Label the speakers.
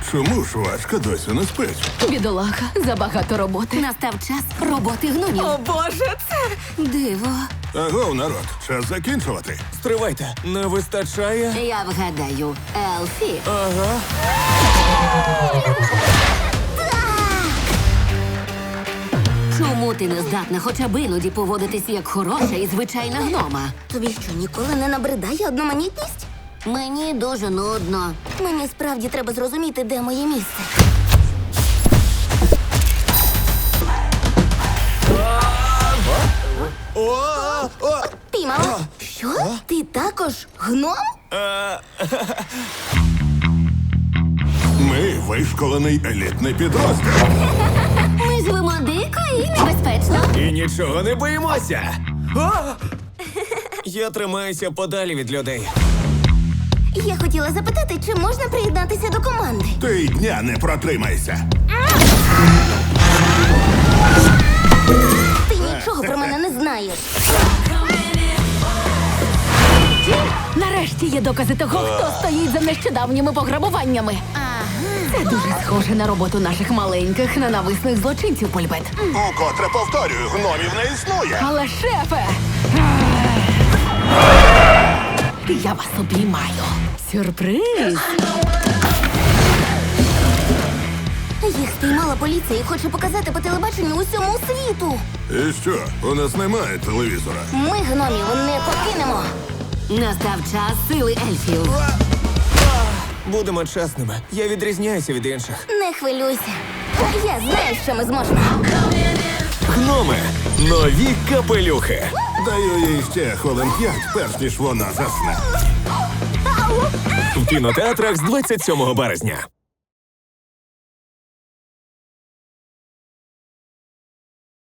Speaker 1: Чому ж Важка досі не спить?
Speaker 2: Бідолаха, забагато роботи.
Speaker 3: Настав час роботи гномів.
Speaker 2: О, Боже, це...
Speaker 3: Диво.
Speaker 1: Агов, народ, час закінчувати.
Speaker 4: Стривайте, не вистачає?
Speaker 3: Я вгадаю, Елфі.
Speaker 4: Ага.
Speaker 3: Чому ти не здатна хоча б іноді поводитись як хороша і звичайна гнома? Тобі що, ніколи не набридає одноманітність? Мені дуже нудно. Мені справді треба зрозуміти, де моє місце. Піймала? Що? Ти також гном?
Speaker 1: Ми вишколений елітний підрозділ.
Speaker 3: Ми живемо дико і небезпечно.
Speaker 4: І нічого не боїмося. А! Я тримаюся подалі від людей.
Speaker 3: Я хотіла запитати, чи можна приєднатися до команди?
Speaker 1: Ти й дня не протримайся.
Speaker 3: Ти нічого про мене не знаєш.
Speaker 2: Нарешті є докази того, хто стоїть за нещодавніми пограбуваннями. Це дуже схоже на роботу наших маленьких ненависних злочинців, Польбет.
Speaker 1: Укотре повторюю, гномів не існує.
Speaker 2: Але, шефе! Я вас обіймаю. Сюрприз!
Speaker 3: Їх спіймала поліція і хоче показати по телебаченню усьому світу.
Speaker 1: І що, у нас немає телевізора?
Speaker 3: Ми гномів не покинемо. Настав час сили ельфів.
Speaker 4: Будемо чесними. Я відрізняюся від інших.
Speaker 3: Не хвилюйся. Я знаю, що ми зможемо.
Speaker 4: Гноми. Нові капелюхи.
Speaker 1: Даю їй ще хвилин 5, перш ніж вона засне.
Speaker 4: В кінотеатрах з 27 березня.